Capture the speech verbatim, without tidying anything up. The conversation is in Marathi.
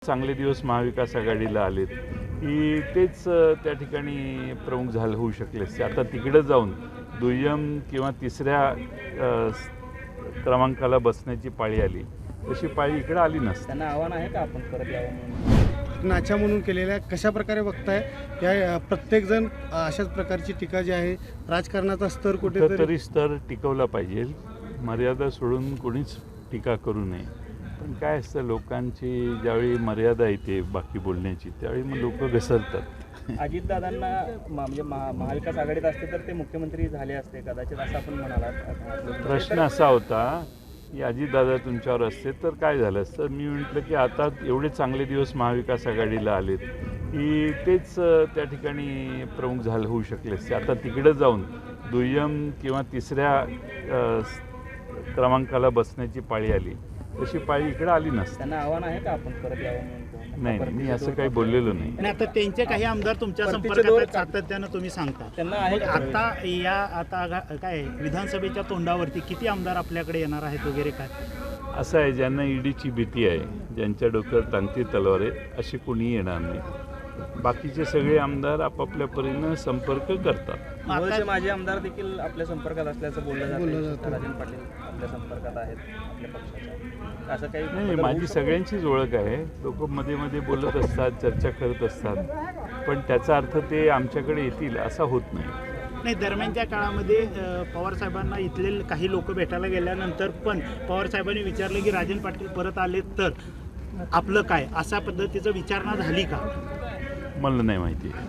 चांगले दिवस महाविकास आघाडीला आलेत की तेच त्या ठिकाणी प्रमुख झाले होऊ शकले असते. आता तिकडे जाऊन दुय्यम किंवा तिसऱ्या क्रमांकाला बसण्याची पाळी आली, तशी पाळी इकडे आली नसते. त्यांना आव्हान आहे का आपण परत यावं म्हणून? नाच्या म्हणून केलेल्या कशा प्रकारे बघताय या प्रत्येकजण अशाच प्रकारची टीका जी आहे राजकारणाचा स्तर कुठेतरी तरी स्तर टिकवला पाहिजे. मर्यादा सोडून कोणीच टीका करू नये. पण काय असतं, लोकांची ज्यावेळी मर्यादा येते बाकी बोलण्याची त्यावेळी मग लोक घसरतात. अजितदादांना म्हणजे महा महाविकास आघाडीत असते तर ते मुख्यमंत्री झाले असते कदाचित, असं आपण म्हणालात. प्रश्न असा होता की अजितदादा तुमच्यावर असते तर काय झालं असतं. मी म्हटलं की आता एवढे चांगले दिवस महाविकास आघाडीला आलेत की तेच त्या ठिकाणी प्रमुख झाले होऊ शकले असते. आता तिकडे जाऊन दुय्यम किंवा तिसऱ्या क्रमांकाला बसण्याची पाळी आली, तशी पाळी इकडे आली नसते. त्यांना आव्हान आहे का आपण परत यावं म्हणून? नाही, मी असं काही बोललेलो नाही. आणि आता त्यांचे काही आमदार तुमच्या संपर्कात सातत्यानं तुम्ही सांगता त्यांना आहे मग आता या आता आघा- काय विधानसभेच्या तोंडावरती किती आमदार आपल्याकडे येणार आहेत वगैरे काय? असं आहे, ज्यांना ईडीची भीती आहे, ज्यांच्या डोक्यावर टांगती तलवार आहे, असे कोणी येणार नाही. बाकीचे सगळे आमदार आपापल्या परीनं संपर्क करतात. मूळचे माजी आमदार देखील आपल्या संपर्कात असल्याचं बोललं जातं. राजन पाटील आपल्या संपर्कात आहेत आपल्या पक्षाच्या, असं काही नाही, माझी सगळ्यांचीच ओळख आहे. लोक मध्ये मध्ये बोलत असतात, चर्चा करत असतात, पण त्याचा अर्थ ते आमच्याकडे येतील असा होत नाही. नाही, दरम्यानच्या काळामध्ये अ, पवार साहेबांना इथले काही लोक भेटायला गेल्यानंतर पण पवार साहेबांनी विचारलं की राजन पाटील परत आले तर आपलं काय, अशा पद्धतीचं विचारणा झाली का? मला नाही माहिती.